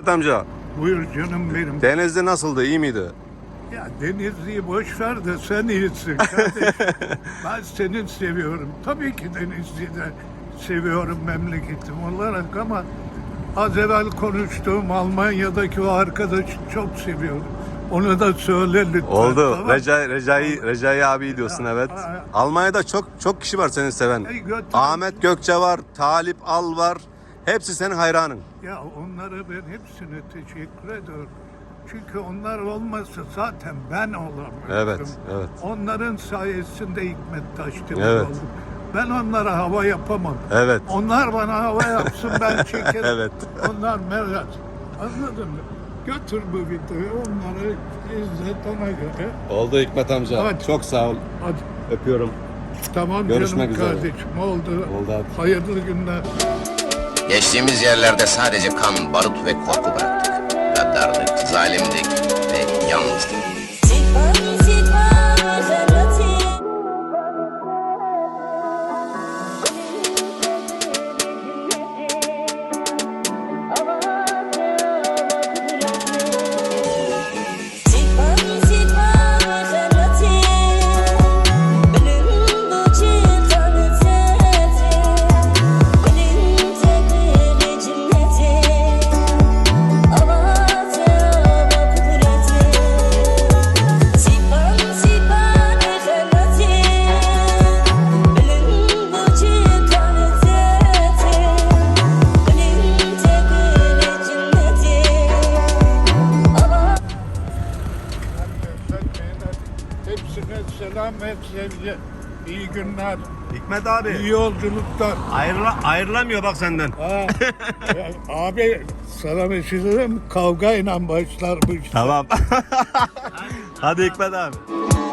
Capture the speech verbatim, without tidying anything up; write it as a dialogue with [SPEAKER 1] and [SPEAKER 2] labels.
[SPEAKER 1] Hikmet amca,
[SPEAKER 2] Buyur canım benim.
[SPEAKER 1] Denizli nasıldı, iyi miydi?
[SPEAKER 2] Ya Denizli'yi boş ver de sen iyisin kardeşim. Ben seni seviyorum. Tabii ki Denizli'yi de seviyorum memleketim olarak ama az evvel konuştuğum Almanya'daki o arkadaşı çok seviyorum. Onu da söyle lütfen.
[SPEAKER 1] Oldu.
[SPEAKER 2] Tamam.
[SPEAKER 1] Recai, Recai, Recai abi diyorsun, evet.
[SPEAKER 2] ha.
[SPEAKER 1] Almanya'da çok çok kişi var seni seven.
[SPEAKER 2] Ey götür.
[SPEAKER 1] Ahmet Gökçe var, Talip Al var. Hepsi senin hayranın.
[SPEAKER 2] Ya onlara ben hepsine teşekkür ediyorum. Çünkü onlar olmasa zaten ben olamıyorum.
[SPEAKER 1] Evet, evet.
[SPEAKER 2] Onların sayesinde Hikmet Taşdemir
[SPEAKER 1] Evet.
[SPEAKER 2] oldum. Ben onlara hava yapamam.
[SPEAKER 1] Evet.
[SPEAKER 2] Onlar bana hava yapsın, ben çekerim.
[SPEAKER 1] Evet.
[SPEAKER 2] Onlar merak. Anladın mı? Götür bu videoyu, onları izlet ona göre.
[SPEAKER 1] Oldu Hikmet amca.
[SPEAKER 2] Hadi.
[SPEAKER 1] Çok sağ ol.
[SPEAKER 2] Hadi.
[SPEAKER 1] Öpüyorum.
[SPEAKER 2] Tamam
[SPEAKER 1] Görüşmek
[SPEAKER 2] canım
[SPEAKER 1] üzere.
[SPEAKER 2] kardeşim. Oldu.
[SPEAKER 1] Oldu abi.
[SPEAKER 2] Hayırlı günler.
[SPEAKER 3] Geçtiğimiz yerlerde sadece kan, barut ve korku bıraktık. Gaddardık, zalimdik ve yalnızdık.
[SPEAKER 2] Hepsine selam ve sevgi. İyi günler,
[SPEAKER 1] Hikmet abi.
[SPEAKER 2] iyi yolculuklar.
[SPEAKER 1] Ayrıla, ayrılamıyor bak senden.
[SPEAKER 2] Ha, ya abi sana bir şey söyleyeyim mi? Kavgayla başlar bu iş.
[SPEAKER 1] Tamam. Hadi Hikmet abi.